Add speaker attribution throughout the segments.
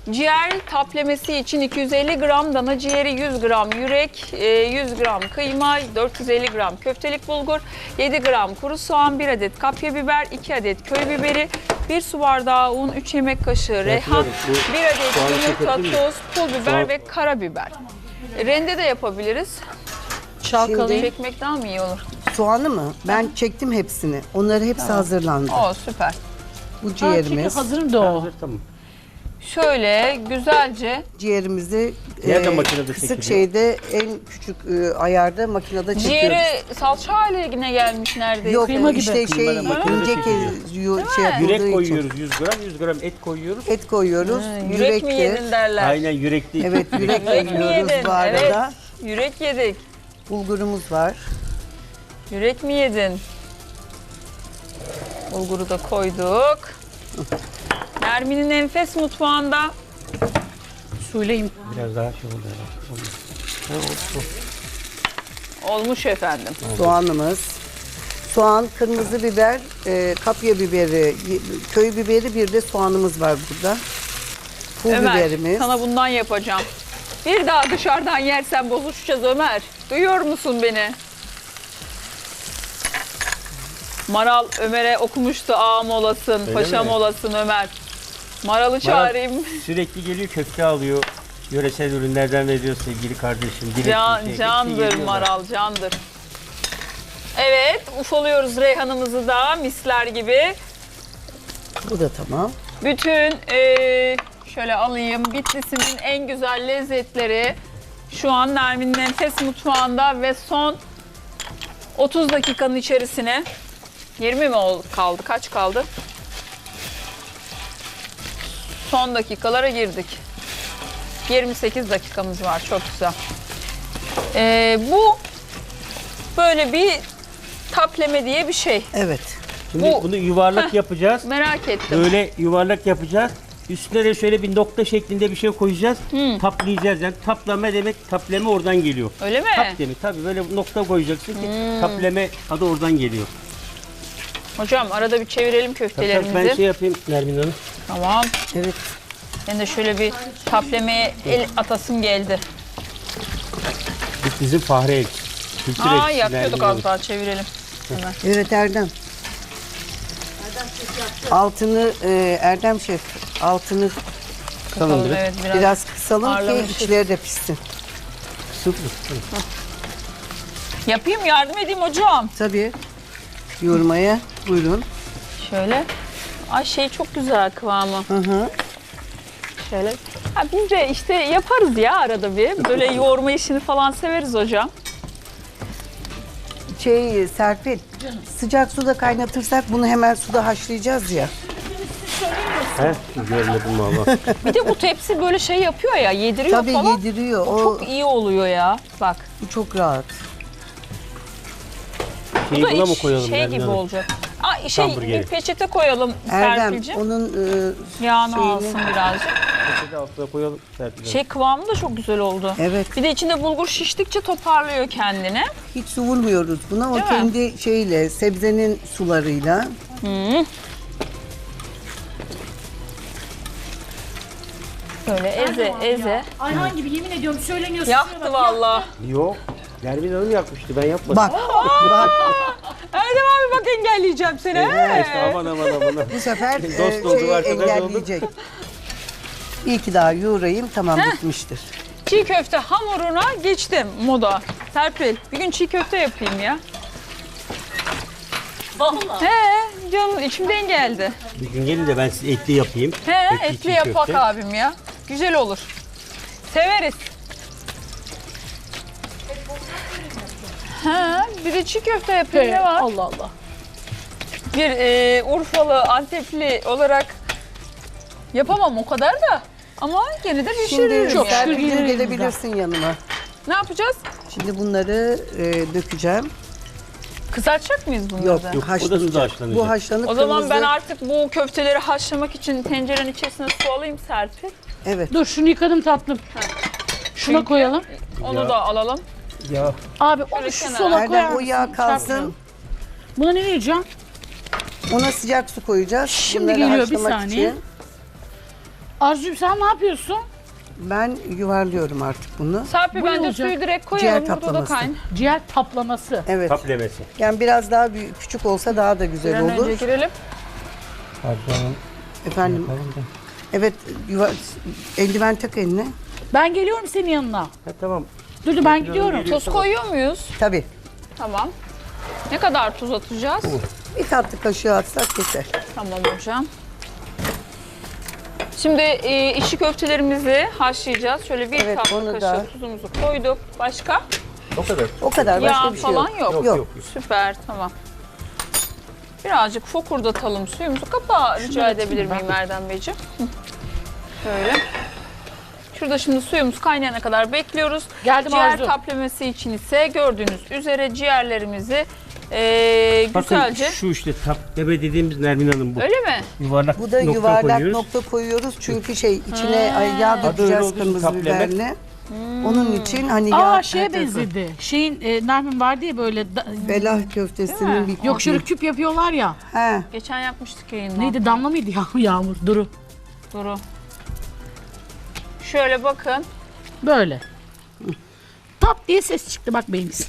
Speaker 1: Ciğer taplemesi için 250 gram dana ciğeri, 100 gram yürek, 100 gram kıyma, 450 gram köftelik bulgur, 7 gram kuru soğan, 1 adet kapya biber, 2 adet köy biberi, 1 su bardağı un, 3 yemek kaşığı reyhan, 1 adet yumurta, tuz, pul biber ve karabiber. Rende de yapabiliriz.
Speaker 2: Çalkalayıp
Speaker 1: Çekmek daha mı iyi olur?
Speaker 3: Soğanı mı? Ben çektim hepsini. Onları hepsi hazırlandı.
Speaker 1: Oo, süper.
Speaker 3: Bu ciğerimiz.
Speaker 2: hazırım da o.
Speaker 4: Hazır, tamam.
Speaker 1: Şöyle güzelce
Speaker 3: Ciğerimizi
Speaker 4: Nerede makinede
Speaker 3: kısık
Speaker 4: çekiliyor?
Speaker 3: şeyde en küçük ayarda makinede çekiyoruz.
Speaker 1: ciğeri salça haline gelmiş neredeyse.
Speaker 3: Yok
Speaker 2: Kıyma gibi.
Speaker 3: işte şey
Speaker 4: Kıymadan makinede
Speaker 3: ince
Speaker 4: çekiliyor.
Speaker 3: şey yapıldığı
Speaker 4: Yürek
Speaker 3: için.
Speaker 4: koyuyoruz 100 gram, 100 gram et koyuyoruz.
Speaker 3: Et koyuyoruz.
Speaker 1: Yürek mi yedin derler.
Speaker 4: Aynen yürekli.
Speaker 3: Evet yürek
Speaker 1: Yürek mi
Speaker 3: koyuyoruz
Speaker 1: yedin?
Speaker 3: bu arada.
Speaker 1: Evet, yürek yedik.
Speaker 3: Bulgurumuz var.
Speaker 1: Yürek mi yedin? Bulguru da koyduk. Nermin'in enfes mutfağında
Speaker 2: Söyleyeyim.
Speaker 4: Biraz daha şey oldu.
Speaker 1: olmuş efendim.
Speaker 3: Soğanımız. Soğan, kırmızı biber, kapya biberi, köy biberi, bir de soğanımız var burada. Pul
Speaker 1: Ömer,
Speaker 3: biberimiz.
Speaker 1: sana bundan yapacağım. Bir daha dışarıdan yersen bozuşacağız Ömer. Duyuyor musun beni? Maral Ömer'e okumuştu ağam olasın,
Speaker 4: Öyle
Speaker 1: paşam
Speaker 4: mi?
Speaker 1: olasın Ömer. Maral'ı çağırayım.
Speaker 4: Sürekli geliyor köfte alıyor. Yöresel ürünlerden veriyor sevgili kardeşim. Direkt
Speaker 1: Can,
Speaker 4: bir şey.
Speaker 1: candır
Speaker 4: Hepsi geliyorlar.
Speaker 1: Maral, candır. Evet, ufalıyoruz reyhanımızı da misler gibi.
Speaker 3: Bu da tamam.
Speaker 1: Bütün şöyle alayım, Bitlis'in en güzel lezzetleri şu an Nermin'in enfes mutfağında ve son 30 dakikanın içerisine 20 mi kaldı? Kaç kaldı? Son dakikalara girdik. 28 dakikamız var. Çok güzel. Bu böyle bir tapleme diye bir şey.
Speaker 3: Evet.
Speaker 4: Şimdi
Speaker 1: Bu-
Speaker 4: bunu yuvarlak yapacağız.
Speaker 1: Merak ettim.
Speaker 4: Böyle yuvarlak yapacağız. Üstüne de şöyle bir nokta şeklinde bir şey koyacağız. Taplayacağız yani. Taplama demek, tapleme oradan geliyor.
Speaker 1: Öyle mi?
Speaker 4: Tap demek. Tabii böyle nokta koyacaksın ki tapleme adı oradan geliyor.
Speaker 1: Hocam arada bir çevirelim
Speaker 4: Tabii,
Speaker 1: köftelerimizi.
Speaker 4: ben şey yapayım Nermin Hanım.
Speaker 1: Tamam.
Speaker 3: Evet.
Speaker 1: Ben de şöyle bir taplemeye el atasım geldi.
Speaker 4: Biz bizim Fahri El. Kültür elçisi
Speaker 1: Yakıyorduk
Speaker 4: Nermin
Speaker 1: az
Speaker 4: Hanım.
Speaker 1: daha çevirelim. Hemen.
Speaker 3: Evet Erdem. Altını Erdem şef altını
Speaker 1: Kısalım, evet,
Speaker 3: biraz kısalım ki
Speaker 1: ağırlamışız.
Speaker 3: içleri de pişsin.
Speaker 4: Süper.
Speaker 1: Yapayım, yardım edeyim hocam.
Speaker 3: Tabii. Yoğurmaya buyurun.
Speaker 1: Şöyle. Ay şey çok güzel kıvamı.
Speaker 3: Hı hı.
Speaker 1: Şöyle. Ha, biz de işte yaparız ya arada bir. Böyle yoğurma işini falan severiz hocam.
Speaker 3: Serpil, sıcak suda kaynatırsak bunu hemen suda haşlayacağız ya.
Speaker 4: He? Görmedim valla.
Speaker 1: Bir de bu tepsi böyle şey yapıyor ya, yediriyor
Speaker 3: Tabii
Speaker 1: falan.
Speaker 3: yediriyor.
Speaker 1: O çok iyi oluyor ya. Bak.
Speaker 3: Bu çok rahat.
Speaker 4: Şeyi
Speaker 1: Bu da
Speaker 4: buna mı
Speaker 1: iç
Speaker 4: koyalım
Speaker 1: şey
Speaker 4: Nermin
Speaker 1: gibi
Speaker 4: Hanım?
Speaker 1: olacak. Aa, şey
Speaker 4: Hamburgeri.
Speaker 1: bir peçete koyalım
Speaker 3: Erdem
Speaker 1: Serpil'ciğim.
Speaker 3: onun
Speaker 1: Yağını
Speaker 3: şeyini-
Speaker 1: alsın birazcık.
Speaker 4: Peçete altına koyalım. Serpil Hanım.
Speaker 1: Şey kıvamı da çok güzel oldu.
Speaker 3: evet
Speaker 1: Bir de içinde bulgur şiştikçe toparlıyor kendini.
Speaker 3: hiç su vurmuyoruz buna. O
Speaker 1: Değil mi?
Speaker 3: kendi şeyle sebzenin sularıyla.
Speaker 1: Böyle eze eze.
Speaker 2: Ayhan gibi yemin ediyorum söyleniyorsun.
Speaker 1: Yaktı vallahi.
Speaker 4: Yok. Nermin Hanım yakmıştı ben yapmadım.
Speaker 3: Bak bak
Speaker 1: Erdem abi bak engelleyeceğim seni.
Speaker 4: İşte aman aman aman.
Speaker 3: bu sefer
Speaker 4: Dost olduk,
Speaker 3: şeyi
Speaker 4: arkadaş olduk.
Speaker 3: engelleyecek. İyi ki daha yoğurayım tamam bitmiştir.
Speaker 1: Çiğ köfte hamuruna geçtim moda. Serpil bir gün çiğ köfte yapayım ya.
Speaker 2: Vallahi.
Speaker 1: He canım içimden geldi.
Speaker 4: Bir gün gelin de ben size etli yapayım.
Speaker 1: He
Speaker 4: Etli
Speaker 1: etli
Speaker 4: çiğ
Speaker 1: yapak
Speaker 4: köfte.
Speaker 1: abim ya. Güzel olur. Severiz. Ha, bir de çiğ köfte yapayım ne var?
Speaker 2: Allah Allah.
Speaker 1: Bir Urfalı, Antepli olarak yapamam o kadar da. Ama gene de pişiririm
Speaker 3: Şimdi
Speaker 1: yani.
Speaker 3: Serpil'cim gelebilirsin yanıma.
Speaker 1: Ne yapacağız?
Speaker 3: Şimdi bunları dökeceğim.
Speaker 1: Kızartacak mıyız bunları
Speaker 3: Yok
Speaker 1: da?
Speaker 4: Yok, o da
Speaker 3: haşlanacak.
Speaker 4: suda haşlanacak.
Speaker 3: Bu haşlanıp
Speaker 1: O zaman ben
Speaker 3: kırmızı-
Speaker 1: artık bu köfteleri haşlamak için tencerenin içerisine su alayım Serpil.
Speaker 3: Evet.
Speaker 2: Dur şunu yıkadım tatlım. Şuna
Speaker 1: Çünkü-
Speaker 2: koyalım.
Speaker 1: Onu da alalım.
Speaker 4: Ya
Speaker 2: Abi
Speaker 1: Şöyle
Speaker 2: onu şu
Speaker 1: kenara.
Speaker 2: sola koyar
Speaker 3: Erdem o
Speaker 2: mısın?
Speaker 3: yağ kalsın.
Speaker 2: Çarpmayalım. Buna ne diyeceğim?
Speaker 3: Ona sıcak su koyacağız.
Speaker 2: Şimdi
Speaker 3: Bunları
Speaker 2: geliyor, bir
Speaker 3: haşlamak
Speaker 2: saniye.
Speaker 3: için.
Speaker 2: Arzucuğum sen ne yapıyorsun?
Speaker 3: Ben yuvarlıyorum artık bunu.
Speaker 1: Serpil
Speaker 2: Bu ne
Speaker 1: bence
Speaker 2: olacak?
Speaker 1: suyu direkt
Speaker 3: Ciğer
Speaker 1: koyalım. Burada da
Speaker 3: kaplaması.
Speaker 1: kayn.
Speaker 2: Ciğer taplaması.
Speaker 3: Evet.
Speaker 4: Taplemesi.
Speaker 3: Yani biraz daha büyük, küçük olsa daha da
Speaker 1: Bir
Speaker 3: güzel
Speaker 1: an
Speaker 3: olur.
Speaker 1: önce girelim.
Speaker 4: Arzu Hanım.
Speaker 3: Efendim. Evet, eldiven tak eline.
Speaker 2: Ben geliyorum senin yanına.
Speaker 4: Ha, tamam.
Speaker 2: Dur ben gidiyorum.
Speaker 1: Tuz koyuyor muyuz?
Speaker 3: Tabii.
Speaker 1: Tamam. Ne kadar tuz atacağız?
Speaker 3: Bir tatlı kaşığı atsak yeter.
Speaker 1: Tamam hocam. Şimdi içli köftelerimizi haşlayacağız. Şöyle bir
Speaker 3: Evet,
Speaker 1: tatlı
Speaker 3: onu
Speaker 1: kaşığı
Speaker 3: da.
Speaker 1: tuzumuzu koyduk. Başka?
Speaker 4: O kadar.
Speaker 3: O kadar, başka
Speaker 1: Yağ
Speaker 3: bir şey
Speaker 1: falan
Speaker 3: yok.
Speaker 1: yok.
Speaker 3: Yok.
Speaker 1: Süper, tamam. Birazcık fokurdatalım suyumuzu. Kapağı rica edebilir miyim Erdem Beyciğim? Hı. Şöyle. Şurada şimdi suyumuz kaynayana kadar bekliyoruz.
Speaker 2: Geldim
Speaker 1: Ciğer
Speaker 2: Arzu.
Speaker 1: taplemesi için ise gördüğünüz üzere ciğerlerimizi
Speaker 4: Bakın
Speaker 1: güzelce...
Speaker 4: şu işte tapleme dediğimiz Nermin Hanım bu.
Speaker 1: Öyle mi?
Speaker 4: Yuvarlak
Speaker 3: Bu da
Speaker 4: nokta
Speaker 3: yuvarlak
Speaker 4: koyuyoruz.
Speaker 3: nokta koyuyoruz çünkü yağ
Speaker 4: Adı öyle
Speaker 3: dökeceğiz
Speaker 4: olduğu için
Speaker 3: kırmızı
Speaker 4: tapleme.
Speaker 3: biberle. Onun için hani yağ...
Speaker 2: Aa şeye
Speaker 3: her tarafı-
Speaker 2: benzedi. Şeyin Nermin vardı ya böyle
Speaker 3: Belah köftesinin bir...
Speaker 2: yok şöyle küp yapıyorlar ya.
Speaker 3: He.
Speaker 1: Geçen yapmıştık yayında.
Speaker 2: Neydi Damla mıydı ya Yağmur? Duru.
Speaker 1: Duru. Şöyle bakın.
Speaker 2: Böyle. Tap diye ses çıktı bak benimkisi.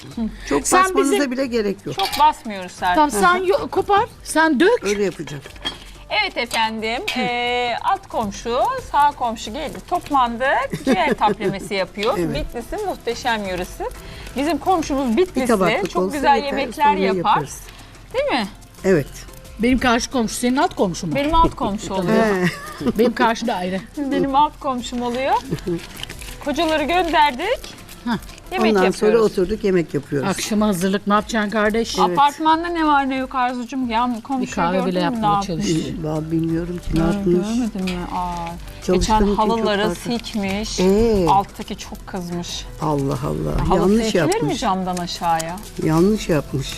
Speaker 3: Çok
Speaker 2: Sen
Speaker 3: basmanıza
Speaker 2: bizim-
Speaker 3: bile gerek yok.
Speaker 1: Çok basmıyoruz Serpil.
Speaker 2: Tamam sen kopar, sen dök.
Speaker 3: Öyle yapacağım.
Speaker 1: Evet efendim, alt komşu, sağ komşu geldi. Toplandık, ciğer taplemesi yapıyor.
Speaker 3: Evet.
Speaker 1: Bitlis'in muhteşem yöresi. Bizim komşumuz
Speaker 3: Bir
Speaker 1: Bitlisli,
Speaker 3: tabaklık
Speaker 1: çok
Speaker 3: olsa
Speaker 1: güzel
Speaker 3: yeter,
Speaker 1: yemekler
Speaker 3: sonra
Speaker 1: yapar.
Speaker 3: yaparız.
Speaker 1: Değil mi?
Speaker 3: Evet.
Speaker 2: Benim karşı komşu, senin alt komşu mu?
Speaker 1: Benim alt komşu oluyor.
Speaker 3: He.
Speaker 2: Benim karşı daire.
Speaker 1: Benim alt komşum oluyor. Kocaları gönderdik. Yemek
Speaker 3: Ondan sonra
Speaker 1: yapıyoruz.
Speaker 3: oturduk yemek yapıyoruz.
Speaker 2: Akşama hazırlık ne yapacaksın kardeş?
Speaker 1: Apartmanda ne var ne yok Arzucuğum? Ya
Speaker 2: Bir
Speaker 1: komşuyu
Speaker 2: kahve
Speaker 1: gördün
Speaker 2: bile
Speaker 1: mü ne
Speaker 2: yapmaya
Speaker 1: yapmış?
Speaker 2: çalış.
Speaker 3: Vallahi bilmiyorum ki ne yapmış.
Speaker 1: Görmedin mi? Aa,
Speaker 3: Çalıştığım
Speaker 1: geçen
Speaker 3: için çok
Speaker 1: halıları
Speaker 3: fazla.
Speaker 1: sikmiş. Alttaki çok kızmış.
Speaker 3: Allah Allah.
Speaker 1: Halı
Speaker 3: Yanlış
Speaker 1: silkilir mi
Speaker 3: yapmış.
Speaker 1: camdan aşağıya?
Speaker 3: Yanlış yapmış.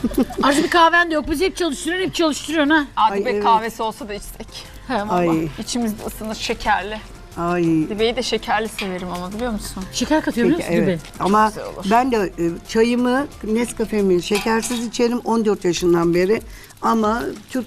Speaker 2: Az bir kahven de yok. Biz hep çalıştırıyorsun ha.
Speaker 1: Hadi
Speaker 3: Ay,
Speaker 1: be
Speaker 3: evet.
Speaker 1: kahvesi olsa da içsek.
Speaker 2: He valla.
Speaker 3: Ay.
Speaker 1: İçimizde ısınır şekerli.
Speaker 3: Ay.
Speaker 1: Dibeyi de şekerli severim ama biliyor musun?
Speaker 2: Şeker katıyor biliyor
Speaker 3: Peki,
Speaker 2: musun
Speaker 3: evet.
Speaker 2: gibi?
Speaker 3: Ama
Speaker 1: güzel olur.
Speaker 3: ben de çayımı, Nescafe'mi şekersiz içerim 14 yaşından beri. Ama Türk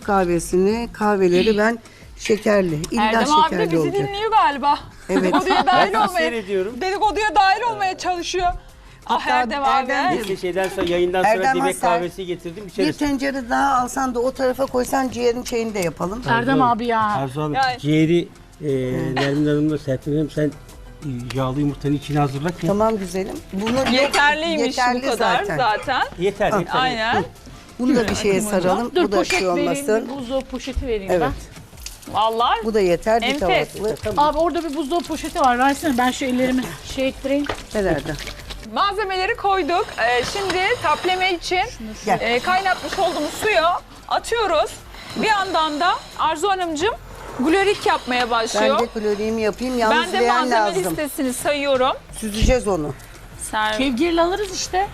Speaker 3: kahveleri ben şekerli. İlla
Speaker 1: Erdem abi de
Speaker 3: şekerli
Speaker 1: bizi
Speaker 3: olacak.
Speaker 1: dinliyor galiba.
Speaker 3: Evet.
Speaker 1: Dedikoduya dahil
Speaker 4: Ben sizi
Speaker 1: olmaya,
Speaker 4: seyrediyorum.
Speaker 1: dedikoduya dahil olmaya çalışıyor. Ah
Speaker 3: Hatta
Speaker 1: Erdem abi.
Speaker 3: Erdem
Speaker 4: Neyse şeyden sonra yayından sonra
Speaker 3: Erdem
Speaker 4: demek
Speaker 3: Hasar,
Speaker 4: kahvesi getirdim
Speaker 3: Bir
Speaker 4: içeriz.
Speaker 3: tencere daha alsan da o tarafa koysan ciğerin şeyini de yapalım.
Speaker 2: Erdem abi ya.
Speaker 4: Arzu Hanım
Speaker 1: Yani-
Speaker 4: ciğeri Nermin Hanım'la Serpil Hanım sen yağlı yumurtanın içine hazırla ki.
Speaker 3: Tamam güzelim. Bunu
Speaker 1: Yeterliymiş
Speaker 3: yeterli
Speaker 1: bu kadar zaten.
Speaker 4: Yeter yeter.
Speaker 1: Aynen.
Speaker 3: Bunu da bir şeye saralım.
Speaker 2: Dur
Speaker 3: Bu da
Speaker 2: poşet
Speaker 3: şey
Speaker 2: vereyim,
Speaker 3: olmasın.
Speaker 2: bir buzdolabı poşeti vereyim
Speaker 3: Evet.
Speaker 1: Vallahi
Speaker 3: Bu da yeter bir
Speaker 1: Enfes.
Speaker 3: tabaklı.
Speaker 2: ben. Abi orada bir buzdolabı poşeti var. Versene ben şu ellerimi şey ettireyim.
Speaker 3: Herhalde.
Speaker 1: malzemeleri koyduk. Şimdi tapleme için
Speaker 3: Gel.
Speaker 1: kaynatmış olduğumuz suyu atıyoruz. Bir yandan da Arzu Hanımcığım glorik yapmaya
Speaker 3: Ben
Speaker 1: başlıyor.
Speaker 3: de kloriğimi yapayım. Yalnız
Speaker 1: Ben de
Speaker 3: leğen
Speaker 1: malzeme
Speaker 3: lazım.
Speaker 1: listesini sayıyorum.
Speaker 3: Süzeceğiz onu.
Speaker 2: Kevgirle alırız işte.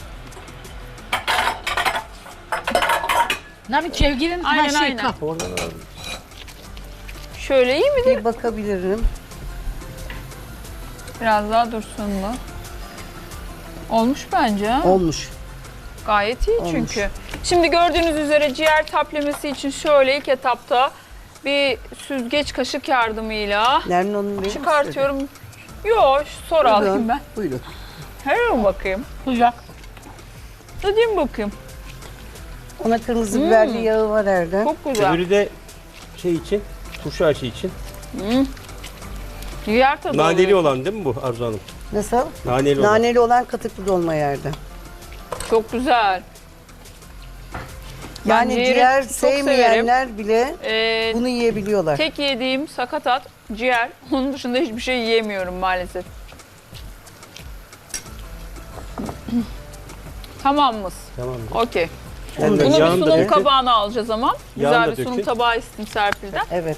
Speaker 2: Ne bir kevgirin
Speaker 1: Aynen,
Speaker 2: her şey
Speaker 1: aynen.
Speaker 2: kap.
Speaker 1: Şöyle iyi midir?
Speaker 3: Bir bakabilirim.
Speaker 1: Biraz daha dursun mu? Olmuş bence. Ha?
Speaker 3: Olmuş.
Speaker 1: Gayet iyi çünkü. Şimdi gördüğünüz üzere ciğer taplemesi için şöyle ilk etapta bir süzgeç kaşık yardımıyla
Speaker 3: Nermin Hanım benim
Speaker 1: çıkartıyorum. Yok, sonra alayım ben.
Speaker 3: Buyurun.
Speaker 1: Hemen bakayım.
Speaker 2: Sıcak.
Speaker 1: Hadi bakayım.
Speaker 3: Ona kırmızı biberli yağı var Erdem.
Speaker 1: Çok güzel.
Speaker 4: Öbürü de şey için, turşu aşı için.
Speaker 1: Ciğer tadı
Speaker 4: Naneli
Speaker 1: oluyor.
Speaker 4: olan değil mi bu Arzu Hanım?
Speaker 3: Nasıl?
Speaker 4: Naneli olan.
Speaker 3: Naneli olan katıklı dolma Erdem.
Speaker 1: Çok güzel.
Speaker 3: Yani
Speaker 1: ciğeri
Speaker 3: ciğer
Speaker 1: çok
Speaker 3: sevmeyenler bile
Speaker 1: Ee,
Speaker 3: bunu yiyebiliyorlar.
Speaker 1: tek yediğim sakatat, ciğer. Onun dışında hiçbir şey yiyemiyorum maalesef. Tamam mısın?
Speaker 4: Tamam.
Speaker 1: Okey.
Speaker 3: Onu da
Speaker 1: Bunu bir
Speaker 4: yağını da
Speaker 1: sunum
Speaker 4: dökün.
Speaker 1: kabağına alacağız ama.
Speaker 4: Yağını
Speaker 1: Güzel
Speaker 4: da
Speaker 1: bir sunum
Speaker 4: dökün.
Speaker 1: tabağı istim Serpil'den.
Speaker 3: Evet.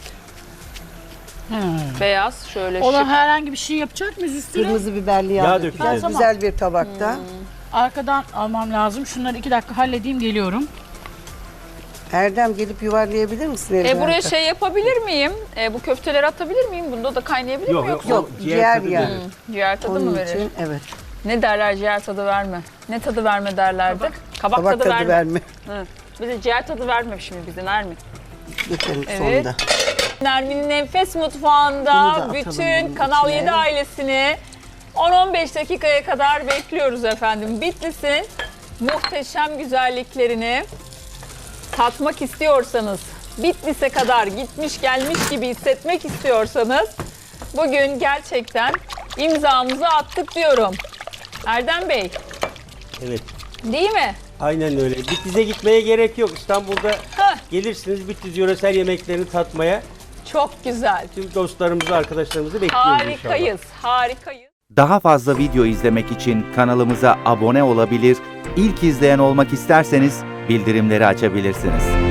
Speaker 1: Beyaz şöyle
Speaker 2: Ona
Speaker 1: şık.
Speaker 2: herhangi bir şey yapacak mıyız üstüne?
Speaker 3: Kırmızı biberli yağ,
Speaker 4: Yağ
Speaker 3: dökeceğiz.
Speaker 4: dökeceğiz.
Speaker 3: Güzel bir tabakta.
Speaker 2: Arkadan almam lazım. Şunları 2 dakika halledeyim geliyorum.
Speaker 3: Erdem gelip yuvarlayabilir misin? eldiven
Speaker 1: Buraya
Speaker 3: tak?
Speaker 1: şey yapabilir miyim? Bu köfteleri atabilir miyim? Bunda da kaynayabilir
Speaker 4: Yok
Speaker 1: mi
Speaker 4: yok.
Speaker 1: yoksa?
Speaker 3: Yok,
Speaker 4: o
Speaker 3: ciğer
Speaker 4: tadı
Speaker 3: yani.
Speaker 4: verir.
Speaker 1: Ciğer tadı mı
Speaker 3: Onun
Speaker 1: verir?
Speaker 3: için evet.
Speaker 1: Ne derler ciğer tadı verme? Ne tadı verme derlerdi? Kabak
Speaker 3: Tabak
Speaker 1: tadı, verme.
Speaker 3: verme.
Speaker 1: Hı. Bize ciğer tadı verme şimdi bize Nermin.
Speaker 3: Lütfen
Speaker 1: Evet.
Speaker 3: sonunda.
Speaker 1: Nermin'in Enfes
Speaker 2: Bunu da
Speaker 1: Mutfağı'nda
Speaker 2: atalım
Speaker 1: bütün
Speaker 2: bunun
Speaker 1: Kanal
Speaker 2: içine.
Speaker 1: 7 ailesini 10-15 dakikaya kadar bekliyoruz efendim. Bitlis'in muhteşem güzelliklerini tatmak istiyorsanız, Bitlis'e kadar gitmiş gelmiş gibi hissetmek istiyorsanız bugün gerçekten imzamızı attık diyorum. Erdem Bey,
Speaker 4: Evet.
Speaker 1: değil mi?
Speaker 4: Aynen öyle. Bitlis'e gitmeye gerek yok. İstanbul'da
Speaker 1: Heh.
Speaker 4: gelirsiniz Bitlis yöresel yemeklerini tatmaya.
Speaker 1: Çok güzel.
Speaker 4: Tüm dostlarımızı, arkadaşlarımızı bekliyoruz inşallah.
Speaker 1: Harikayız, harikayız.
Speaker 5: Daha fazla video izlemek için kanalımıza abone olabilir, ilk izleyen olmak isterseniz bildirimleri açabilirsiniz.